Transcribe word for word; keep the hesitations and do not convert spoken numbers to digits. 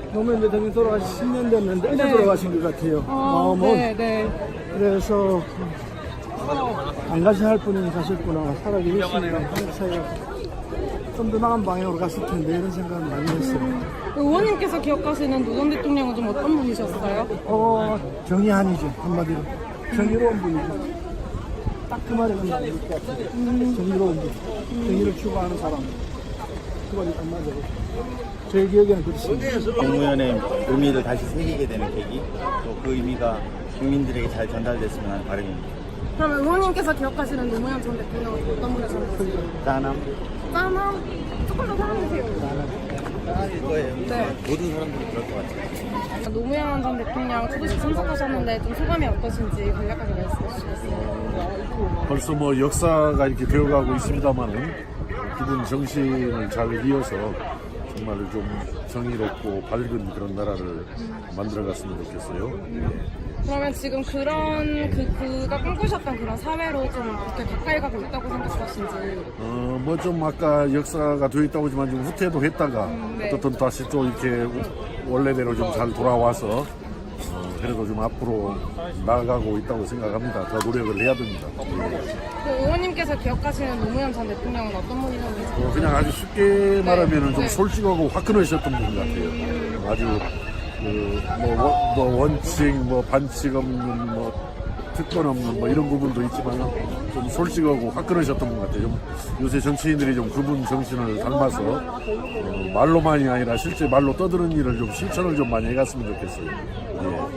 노무현 대통령이 돌아가신 십 년 됐는데 어제 네. 돌아가신 것 같아요. 어, 뭐, 네, 네. 그래서 안 가셔야 할 분이 가셨구나. 살아계시니까 사이가 좀 더 나은 방향으로 갔을 텐데 이런 생각을 많이 했어요. 의원님께서 기억하시는 노 전 대통령은 좀 어떤 분이셨어요? 어, 정의한이죠. 한마디로. 정의로운 분이죠. 딱 그 말이 맞는 것 같아요. 정의로운 분. 정의를 추구하는 사람. 그 말이 딱 맞아요. 제 기억에는 그렇습니다. 노무현의 의미를 다시 새기게 되는 계기, 또 그 의미가 국민들에게 잘 전달됐으면 하는 바람입니다. 그럼 의원님께서 기억하시는 노무현 전 대통령은 어떤 분이셨나요? 짠함. 짠함. 조금 더 설명해주세요. 짠일 거예요. 네. 모든 사람들이 그럴 것 같아요. 노무현 전 대통령 추도식 참석하셨는데 좀 소감이 어떠신지 간략하게 말씀해 주시겠어요? 벌써 뭐 역사가 이렇게 되어가고 있습니다만은 기본 정신을 잘 이어서 정말 좀 정의롭고 밝은 그런 나라를 만들어갔으면 좋겠어요. 그러면 지금 그런 그 그가 꿈꾸셨던 그런 사회로 좀 이렇게 가까이 가고 있다고 생각하신지. 어, 뭐 좀 아까 역사가 되어 있다고 하지만 좀 후퇴도 했다가 음, 네. 어떻든 다시 또 이렇게 원래대로 좀 잘 돌아와서 어, 그래도 좀 앞으로 나아가고 있다고 생각합니다. 더 노력을 해야 됩니다. 그 의원님께서 기억하시는 노무현 전 대통령은 어떤 분이셨는지. 어, 그냥 아주 쉽게 말하면 좀 네. 솔직하고 화끈하셨던 분 같아요. 아주 그 뭐, 뭐 원칙, 뭐 반칙 없는, 뭐 특권 없는 뭐 이런 부분도 있지만 좀 솔직하고 화끈하셨던 분 같아요. 좀 요새 정치인들이 좀 그분 정신을 닮아서 어, 말로만이 아니라 실제 말로 떠드는 일을 좀 실천을 좀 많이 해갔으면 좋겠어요. 예.